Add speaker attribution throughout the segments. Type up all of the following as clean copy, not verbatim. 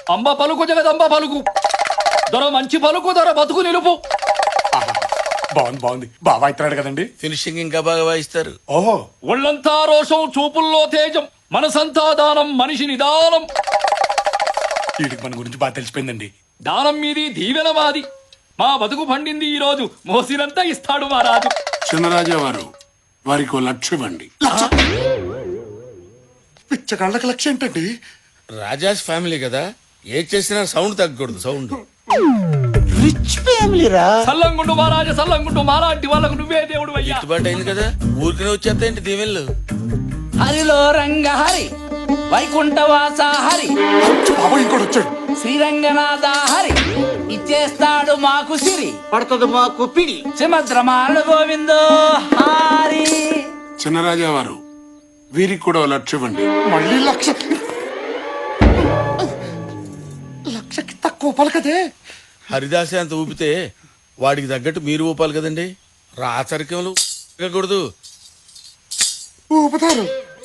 Speaker 1: అంబ పలుకు జగదంబ పలుకు, దొర మంచి పలుకు, దొర బతుకు నిలుపు.
Speaker 2: బాగుంది బాబా ఇస్తున్నాడు కదండి.
Speaker 3: ఫినిషింగ్ ఇంకా బాగా వాయిస్తారు.
Speaker 2: ఓహో,
Speaker 1: ఒళ్ళంతా రోషం, చూపుల్లో తేజం, మనసంతా దానం, మనిషి నిదానం.
Speaker 2: వీడికి మన గురించి బాగా తెలిసిపోయిందండి.
Speaker 1: దానం మీది, దీవెన మాది. మా బతుకు పండింది ఈ రోజు, మోసినంతా ఇస్తాడు మా రాజు.
Speaker 4: చిన్నరాజా వారు వారికి లక్ష ఇవ్వండి.
Speaker 2: పిచ్చగాళ్ళకి లక్ష్యం ఏంటండి?
Speaker 3: రాజాస్ ఫ్యామిలీ కదా, ఏ చేసినా సౌండ్ తగ్గకూడదు. సౌండ్
Speaker 5: రిచ్ ఫ్యామిలీ రా.
Speaker 1: సల్లంగుండు మా రాజా, సల్లంగుండు మాలాంటి వాళ్ళకు నువ్వే దేవుడు అయ్యా.
Speaker 3: గిట్టుబాటు అయింది కదా, ఊరికనే వచ్చేస్తాయండి దీవెళ్ళు.
Speaker 6: హరిలో రంగ హరి, వైకుంఠవాస హరి,
Speaker 2: బాబా ఇంకోటి వచ్చాడు.
Speaker 6: శ్రీరంగనాథ హరి, ఇచ్చేస్తాడు మాకు సిరి.
Speaker 5: పడుతుంది మాకు పిడి.
Speaker 6: సుమద్రమాల గోవిందో హరి.
Speaker 4: చిన్నరాజా వారు వీరికి కూడా లక్ష ఇవ్వండి.
Speaker 2: మళ్ళీ లక్షకి తక్కువ పలకదే.
Speaker 3: హరిదాసే అంత ఊపితే వాడికి తగ్గట్టు మీరు ఊపాలి కదండి. రాచరికములు కూడదు.
Speaker 2: ఊపుతారు.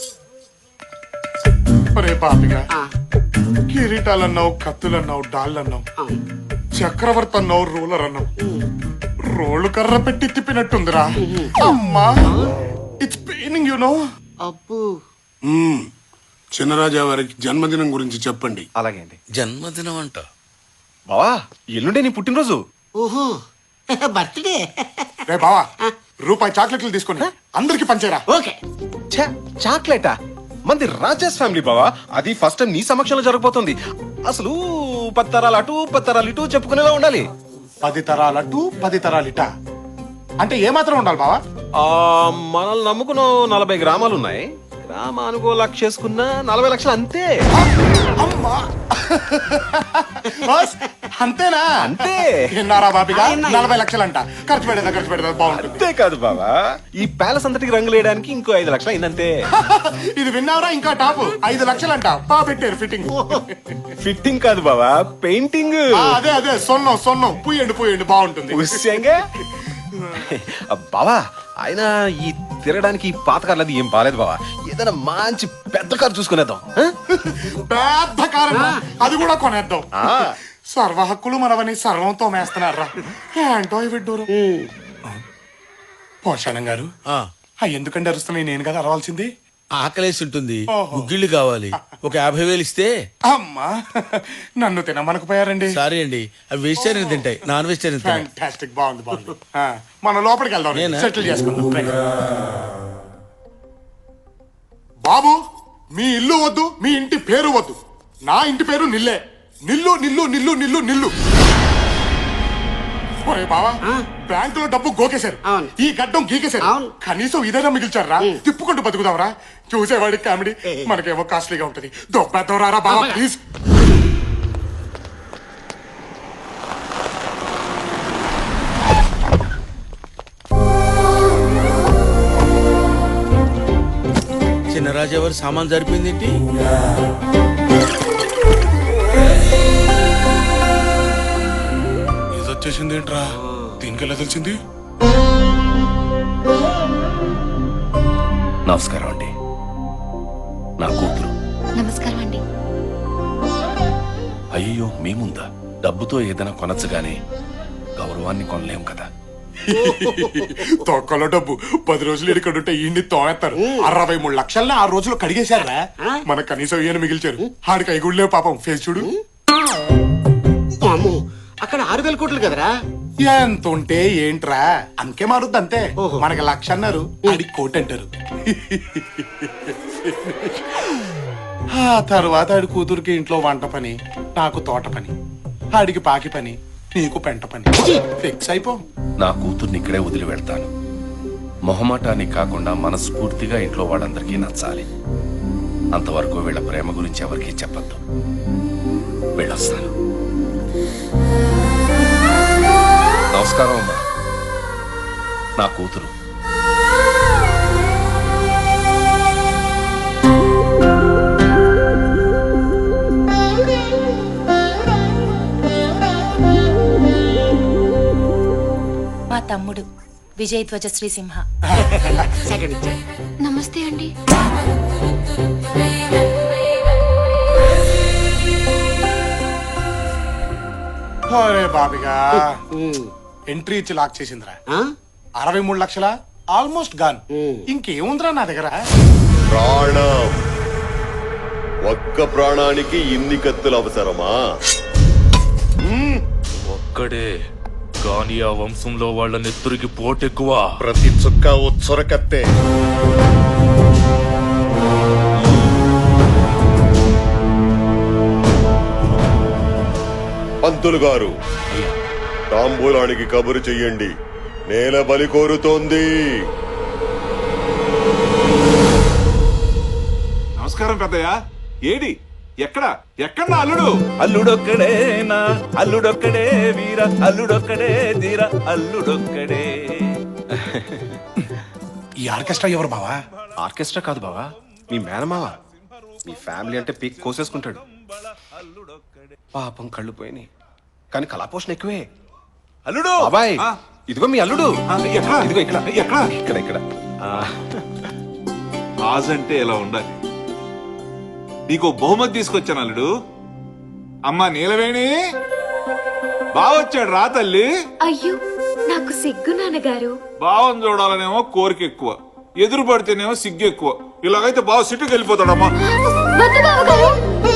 Speaker 2: ఒరే పాపిగా, కిరీటాలన్నావు, కత్తులన్నావు, డాళ్ళన్నావు, చక్రవర్తి అన్నావు, రూలర్ అన్నావు. రోళ్ళు కర్ర పెట్టి తిప్పినట్టుందిరా. అమ్మా, ఇట్స్ పెయినింగ్ యు నో.
Speaker 5: అబ్బు,
Speaker 4: చిన్నరాజా వారికి జన్మదినం గురించి చెప్పండి.
Speaker 7: అలాగే అండి.
Speaker 3: జన్మదినం అంట.
Speaker 7: బావా ఎల్లుండే నీ పుట్టినరోజు.
Speaker 5: ఓహో, బర్త్డే.
Speaker 2: రే బావా, రూపాయి చాక్లెట్లు తీసుకొని అందరికి పంచేరా.
Speaker 5: ఓకే.
Speaker 7: ఛే, చాక్లెటా? మంది రాజేష్ ఫ్యామిలీ బావా, అది ఫస్ట్ టైం నీ సమక్షంలో జరగబోతుంది. అసలు 10 తరాలు అటు 10 తరాలు ఇటు చెప్పుకునేలా ఉండాలి.
Speaker 2: 10 తరాలటు 10 తరాలిట అంటే ఏమాత్రం ఉండాలి బావా?
Speaker 7: మనల్ని నమ్ముకున్న 40 గ్రామాలు ఉన్నాయి. గ్రామానుకో లక్ష చేసుకున్న 40 లక్షలు అంతే.
Speaker 2: అమ్మా, బాస్, అంతేనా?
Speaker 7: అంతే.
Speaker 2: విన్నారా బాబిగా? 40 లక్షలంట. ఖర్చు పెడదా బాగుంటుంది.
Speaker 7: అంతే కాదు బావా, ఈ ప్యాలెస్ అంతటికి రంగులు వేయడానికి ఇంకో 5 లక్షలు అయిందంతే.
Speaker 2: ఇది విన్నారా? ఇంకా టాప్ 5 లక్షలంట. బా పెట్టారు ఫిట్టింగ్.
Speaker 7: ఫిట్టింగ్ కాదు బావా, పెయింటింగ్.
Speaker 2: అదే సొన్నం పూయండి బాగుంటుంది.
Speaker 7: ఉస్యంగా బావా, ఆయన ఈ తిరగడానికి పాత కార్లు అది ఏం బాలేదు బావా. ఏదైనా మంచి పెద్ద కారు చూసుకునేద్దాం.
Speaker 2: పెద్ద కారం, అది కూడా కొనేద్దాం. సర్వ హక్కులు మనవని సర్వంతో మేస్తున్నారా ఏంటో ఈ విడ్డూరు. పోషాణం గారు, ఎందుకంటే అరుస్తున్నాయి? నేను కదా అరవాల్సింది.
Speaker 3: ఆకలేసి ఉంటుంది,
Speaker 2: ఓహో.
Speaker 3: గుగ్గిళ్ళు కావాలి. ఒక 50,000 ఇస్తే.
Speaker 2: అమ్మా, నన్ను తినమనకపోయారండి.
Speaker 3: సారీ అండి, అవి వెజిటేరియన్ తింటాయి, నాన్ వెజిటేరియన్ తింటాయి.
Speaker 2: ఫ్యాంటాస్టిక్, బాగుంది. మనం లోపలికి వెళ్దాం,
Speaker 3: నేనా?
Speaker 2: సెటిల్ చేసుకుందాం. బాబు, మీ ఇల్లు వద్దు, మీ ఇంటి పేరు వద్దు. నా ఇంటి పేరు నిల్లే. నిల్లు. ఒరే బావా, బ్యాంకులో డబ్బు గోకేశారు,
Speaker 5: అవును.
Speaker 2: ఈ గడ్డం గీకేశారు.
Speaker 5: అవును.
Speaker 2: కనీసం ఇదైనా మిగిల్చారా? తిప్పుకుంటూ బతుకుదాంరా. చూసేవాడికి కామెడీ, మనకేమో కాస్ట్లీగా ఉంటది. దొబ్బెద్దవరారా బావా, ప్లీజ్.
Speaker 3: చిన్నరాజా వారి సామాన్ సరిపోయింది ఏంటి?
Speaker 2: ఇది వచ్చేసింది ఏంట్రా? దీనికెలా తెలిసింది?
Speaker 8: నమస్కారం అండి, నా కూతురు.
Speaker 9: నమస్కారం అండి.
Speaker 8: అయ్యో, మీ ముందా? డబ్బుతో ఏదైనా కొనచ్చు గానీ గౌరవాన్ని కొనలేం కదా.
Speaker 2: తొక్కలో డబ్బు 10 రోజులు ఇక్కడ ఉంటే ఈ తోనేస్తారు. 63 లక్షల్ని 6 రోజులు కడిగేశారా? మన కనీసం ఈయన మిగిల్చారు. ఆడికి ఐగుళ్ళే పాపం. ఫేస్ చూడు.
Speaker 5: అమ్మో, అక్కడ 6,000 కోట్లు కదరా.
Speaker 2: ఎంత ఉంటే ఏంట్రా, అంకే మారుద్ది అంతే. మనకి 1,00,000 అన్నారు, ఆడికి 1,00,000 అంటారు. ఆ తర్వాత ఆడి కూతురికి ఇంట్లో వంట పని, నాకు తోట పని, ఆడికి పాకి పని, నీకు పెంట పని. ఫిక్స్ అయిపో.
Speaker 8: నా కూతుర్ని ఇక్కడే వదిలి వెళ్తాను. మొహమాటానికి కాకుండా మనస్ఫూర్తిగా ఇంట్లో వాళ్ళందరికీ నచ్చాలి. అంతవరకు వీళ్ళ ప్రేమ గురించి ఎవరికీ చెప్పద్దు. వెళ్ళొస్తాను. నమస్కారం అమ్మా, నా కూతురు.
Speaker 9: మా తమ్ముడు విజయధ్వజ శ్రీసింహ. నమస్తే అండి.
Speaker 2: అరే బాబిగా ఎంట్రీ ఇచ్చి లాక్ చేసిందిరా.
Speaker 5: ఆ?
Speaker 2: 63 లక్షల ఆల్మోస్ట్ గాన్. ఇంకేముందిరా నా దగ్గర?
Speaker 10: ప్రాణం. ఒక్క ప్రాణానికి ఇన్ని కత్తులు అవసరమా?
Speaker 1: ఒక్కడే కానీ ఆ వంశంలో వాళ్ళ నెత్తురికి పోటెక్కువ.
Speaker 10: ప్రతి చుక్క ఉచ్చర కత్తే. పంతులు గారు, తాంబూలానికి కబురు చెయ్యండి. నేల బలి కోరుతోంది.
Speaker 11: నమస్కారం పెద్దయ్య. ఏడి ఎక్కడ ఎక్కడ నా అల్లుడు?
Speaker 6: అల్లుడొక్కడేనా అల్లుడొక్కడే వీర అల్లుడొక్కడే ధీర అల్లుడొక్కడే.
Speaker 2: ఈ ఆర్కెస్ట్రా ఎవరు బావా?
Speaker 7: ఆర్కెస్ట్రా కాదు బావా, మీ మేనమావ. మీ ఫ్యామిలీ అంటే పీక్ కోసేసుకుంటాడు. పాపం కళ్ళు పోయినాయి, కానీ కళాపోషణ ఎక్కువే.
Speaker 11: అల్లుడు
Speaker 7: బాబాయ్,
Speaker 11: ఆ,
Speaker 7: ఇదిగో మీ అల్లుడు.
Speaker 11: ఎక్కడ?
Speaker 7: ఇదిగో ఇక్కడ
Speaker 11: ఎక్కడ?
Speaker 7: ఇక్కడ ఇక్కడ.
Speaker 11: రాజు అంటే ఎలా ఉండాలి. నీకు బహుమతి తీసుకొచ్చాను అల్లుడు. అమ్మా నీలవేణి బావొచ్చాడు రా తల్లి.
Speaker 9: అయ్యో నాకు సిగ్గు నాన్నగారు.
Speaker 11: బావని చూడాలనేమో కోరిక ఎక్కువ, ఎదురు పడితేనేమో సిగ్గు ఎక్కువ. ఇలాగైతే బావ సిట్టుకు వెళ్ళిపోతాడమ్మా.
Speaker 9: వద్దు బావగారు.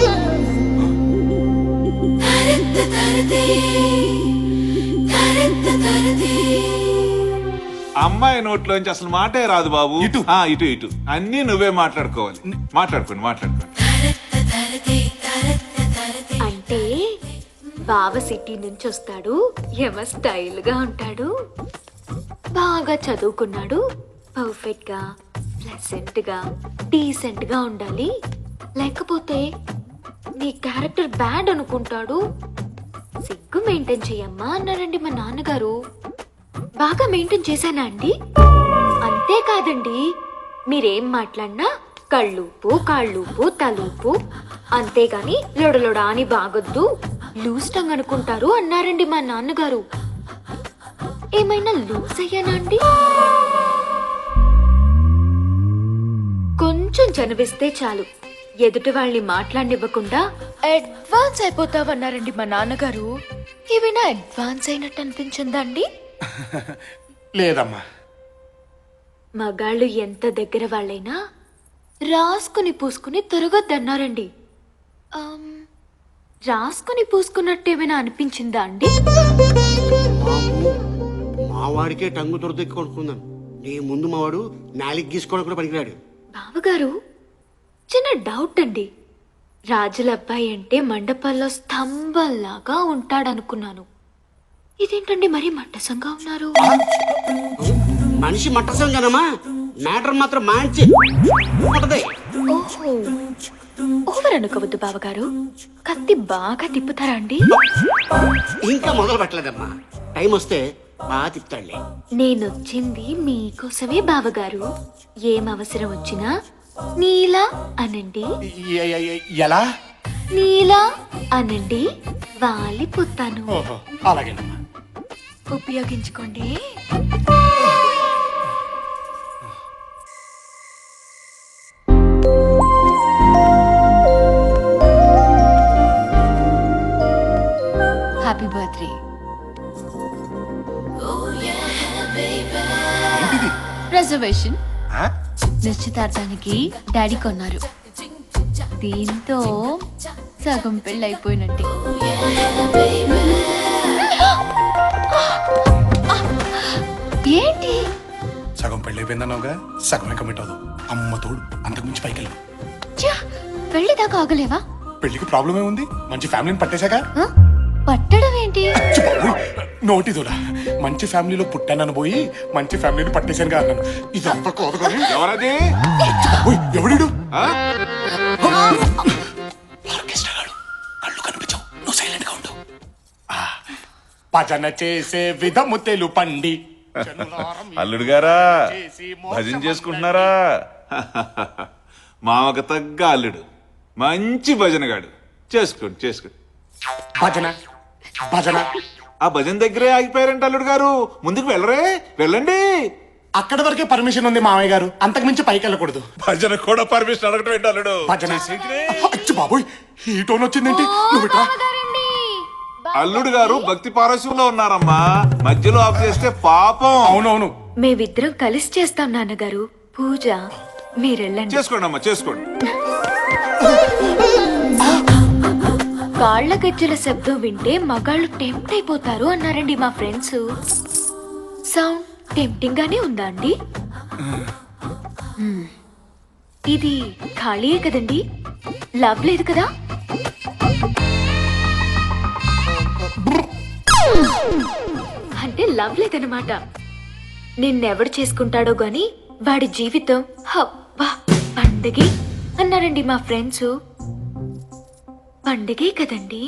Speaker 11: అమ్మాయి నోట్లోంచి అసలు మాటే రాదు బాబు.
Speaker 2: ఇటు.
Speaker 11: ఇటు ఇటు అన్ని నువ్వే మాట్లాడుకోవాలి. మాట్లాడుకోండి.
Speaker 9: అంటే బావ సిటీ నుంచి వస్తాడు, ఎవ స్టైల్ గా ఉంటాడు, బాగా చదువుకున్నాడు, పర్ఫెక్ట్ గా ప్లెసెంట్ గా డీసెంట్ గా ఉండాలి. లేకపోతే నీ క్యారెక్టర్ బ్యాడ్ అనుకుంటాడు. సిగ్గు మెయింటైన్ చెయ్యమ్మా అన్నారండి మా నాన్నగారు. బాగా మెయింటైన్ చేశానా అండి? అంతేకాదండి, మీరేం మాట్లాడినా కళ్ళూపు కాళ్ళూపు తలూపు, అంతేగాని లొడలొడ అని బాగొద్దు, లూజ్ టంగ్ అనుకుంటారు అన్నారండి మా నాన్నగారు. ఏమైనా లూజ్ అయ్యానా అండి? కొంచెం చనివిస్తే చాలు ఎదుటి వాళ్ళని మాట్లాడనివ్వకుండా అడ్వాన్స్ అయిపోతావన్నారండి మా నాన్నగారు. ఏమైనా అడ్వాన్స్ అయినట్టు అనిపించిందా అండి?
Speaker 2: లేదమ్మా.
Speaker 9: మగాళ్ళు ఎంత దగ్గర వాళ్ళైనా రాసుకుని పూసుకుని తిరగొద్దన్నారండి. రాసుకుని పూసుకున్నట్టు ఏమైనా అనిపించిందా అండి?
Speaker 5: మా వాడికే టంగు దొరదెక్కి కొనుక్కుందాం. నీ ముందు మా వాడు నాలికి గీసుకోవడం కూడా పనికిరాడు.
Speaker 9: బావగారు, చిన్న డౌట్ అండి. రాజుల అబ్బాయి అంటే మండపాల్లో స్తంభంలాగా ఉంటాడనుకున్నాను. ఇదేంటండి మరీ మట్టసంగా ఉన్నారు?
Speaker 5: మనిషి మట్టసం కదమ్మా, మ్యాటర్ మాత్రం మంచి ఉంటది.
Speaker 9: ఓహో, ఓవర్ అనుకోవద్దు బావగారు. కత్తి బాగా తిప్పుతారా అండి?
Speaker 5: ఇంకా మొదలు పెట్టలేదమ్మా, టైం వస్తే బాగా తిప్పుతాడులే.
Speaker 9: నేనొచ్చింది మీకోసమే బావగారు. ఏం అవసరం వచ్చినా నీలా అనండి,
Speaker 2: ఎలా?
Speaker 9: నీలా అనండి, వాలిపోతాను.
Speaker 2: ఓహో, అలాగేనమ్మా.
Speaker 9: ఉపయోగించుకోండి. Happy birthday. రిజర్వేషన్ నిశ్చితార్థానికి డాడీ కొన్నారు. దీంతో సగం పెళ్ళి అయిపోయినట్టే. ఏంటి?
Speaker 2: సగం పెళ్లి అయిపోయిందన్నావుగా, సగమే కమిట్ అవ్వదు. అమ్మ తోడు, అంతకుమించి పైకి వెళ్ళు.
Speaker 9: పెళ్లి దాకా ఆగలేవా?
Speaker 2: పెళ్లికి ప్రాబ్లం ఏముంది? మంచి ఫ్యామిలీని పట్టేశాక.
Speaker 9: ఆ? పట్టడం ఏంటి?
Speaker 2: నోటి దూడ. మంచి ఫ్యామిలీలో పుట్టానని పోయి మంచి ఫ్యామిలీని పట్టేశాను కదా అన్నాను. ఇది అంత కోదకొని
Speaker 11: ఎవరది?
Speaker 2: ఎవడు?
Speaker 11: ఆ?
Speaker 2: ఆర్కెస్ట్రా గాడు. కళ్ళు కనిపించవు, నువ్వు సైలెంట్ గా ఉండు. భజన చేసే విధము తెలుపండి.
Speaker 11: అల్లుడు గారా, భజన చేసుకుంటున్నారా? మామకు తగ్గ అల్లుడు, మంచి భజనగాడు. చేసుకోండి.
Speaker 2: భజన భజన
Speaker 11: ఆ భజన దగ్గరే ఆగిపోయారంట అల్లుడు గారు. ముందుకు వెళ్ళండి.
Speaker 2: అక్కడి వరకే పర్మిషన్ ఉంది మామయ్య గారు, అంతకు మించి పైకి వెళ్ళకూడదు.
Speaker 11: భజన కూడా పర్మిషన్ అడగటం ఏంటి అల్లుడు?
Speaker 2: భజన. అచ్చి బాబోయ్, ఈ టోన్ వచ్చిందేంటి? నువ్వు ఇట్రా.
Speaker 11: అల్లుడు గారు భక్తి పారస్యంలో ఉన్నారమ్మా, మధ్యలో ఆఫ్ చేస్తే పాపం.
Speaker 2: అవునవును.
Speaker 9: మేమిద్దరం కలిసి చేస్తాం నాన్నగారు పూజ. మీరెళ్ళండి.
Speaker 11: చేసుకోండి అమ్మా, చేసుకోండి.
Speaker 9: కాళ్ళ గజ్జల శబ్దం వింటే మగాళ్ళు టెంప్ట్ అయిపోతారు అన్నారండి మా ఫ్రెండ్స్. సౌండ్ టెంప్టింగ్ గానే ఉందా అండి? ఇది ఖాళీయే కదండి, లవ్ లేదు కదా? అంటే లవ్ లేదనమాట. నిన్నెవడు చేసుకుంటాడో గాని వాడి జీవితం హబ్బా పండగే అన్నారండి మా ఫ్రెండ్స్. పండగే కదండి.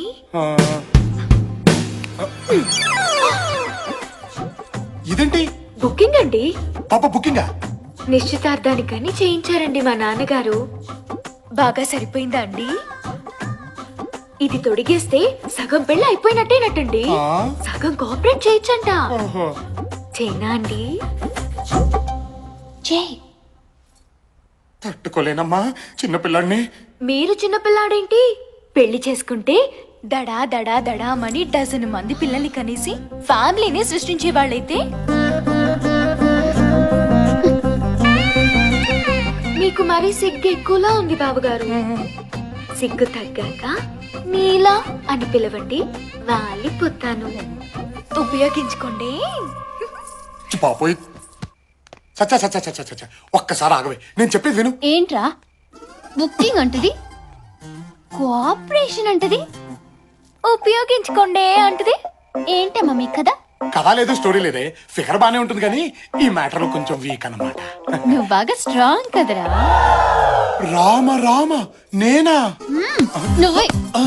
Speaker 2: ఇదేంటి
Speaker 9: బుకింగ్ అండి.
Speaker 2: పాప బుకింగా?
Speaker 9: నిశ్చితార్థానికని చేయించారండి మా నాన్నగారు. బాగా సరిపోయిందా అండి? ఇది తొడిగేస్తే సగం పెళ్ళి అయిపోయినట్టేనట్టండి. సగం కోఆపరేట్ చేయొచ్చంట. చేయనా అండి? చేయి.
Speaker 2: తట్టుకోలేనమ్మా చిన్నపిల్లాడిని.
Speaker 9: మీరు చిన్నపిల్లాడేంటి? పెళ్లి చేసుకుంటే దడా దడా దడామని డజన్ మంది పిల్లల్ని కనేసి ఫ్యామిలీని సృష్టించే వాళ్ళైతే మీకు మరీ సిగ్గు ఎక్కువలా ఉంది బాబుగారు. సిగ్గు తగ్గాక నీలా అని పిలవండి, వాలిపోతాను. ఉపయోగించుకోండి.
Speaker 2: పాపోయ్ చచ్చా చచ్చా చచ్చా చచ్చా, ఒక్కసారి ఆగవే, నేను చెప్పేది విను.
Speaker 9: ఏంట్రా బుకింగ్ అంటది, కోఆపరేషన్ అంటది, ఉపయోగించుకోండి అంటది. ఏంటమ్మా మీ కదా?
Speaker 2: కథ లేదు, స్టోరీ లేదే, ఫిగర్ బానే ఉంటుంది కానీ ఈ మ్యాటర్ లో కొంచెం వీక్ అన్నమాట.
Speaker 9: నువ్వు బాగా స్ట్రాంగ్ కదరా.
Speaker 2: రామ రామ నేనా?
Speaker 9: నువ్వే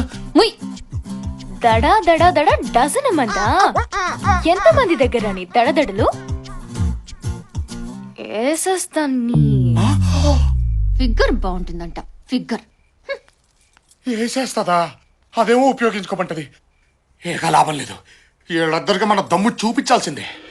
Speaker 9: దడా దడా దడా డజన్ మందా? ఎంత మంది దగ్గర నీ దడదడలు ఏసేస్తాన్ని. Figure బాగుంటుందంట, figure
Speaker 2: వేసేస్తుందా? అదేమో ఉపయోగించుకోమంటది. ఏక లాభం లేదు, వీళ్ళిద్దరికి మన దమ్ము చూపించాల్సిందే.